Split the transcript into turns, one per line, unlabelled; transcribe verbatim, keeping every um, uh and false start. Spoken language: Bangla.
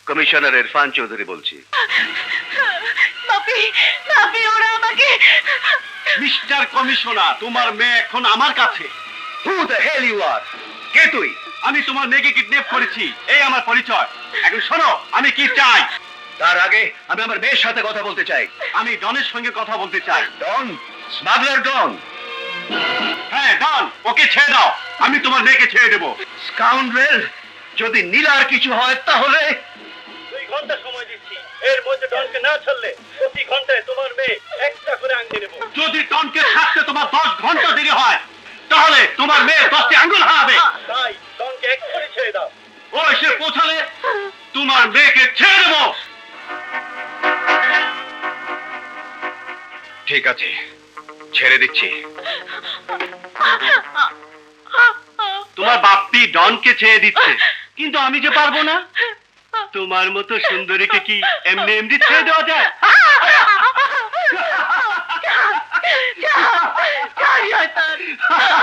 কমিশনার ইরফান চৌধুরী বলছি।
বাপি বাপি ওরা আমাকে
মিস্টার কমিশনার, তোমার মেয়ে এখন আমার কাছে।
হু দ্য হেল ইউ আর? কে তুই?
আমি তোমার মেয়েকে কিডন্যাপ করেছি, এই আমার পরিচয়। এখন শোনো, আমি কি চাই।
তার আগে আমি আমার মেয়ের সাথে কথা বলতে চাই।
আমি ডনের সঙ্গে কথা বলতে চাই।
ডন? Smuggler don?
হ্যাঁ ডন, ওকে ছেড়ে দাও, আমি তোমার মেয়েকে ছেড়ে দেবো।
স্কাউন্ড্রেল, যদি নীলার কিছু হয় তাহলে?
দুই ঘন্টা সময় দিচ্ছি, এর মধ্যে ডনকে না ছাড়লে প্রতি ঘন্টায় তোমার মেয়ে একটা করে আঙ্গুল নেব। যদি ডনকে ছাড়তে তোমার দশ ঘন্টা দেরি হয়, তাহলে তোমার মেয়ে দশটি আঙ্গুল হারাবে। তাই ডনকে এক করে ছেড়ে দাও, ও এসে পৌঁছালে তোমার মেয়েকে ছেড়ে দেবো।
ঠিক আছে, ছেড়ে দিচ্ছি।
তোমার বাপ্পি ডনকে ছেড়ে দিচ্ছে, কিন্তু আমি যে পারবো না। তোমার মতো সুন্দরীকে কি এমনি এমনি ছেড়ে দেওয়া যায়?
শয়তান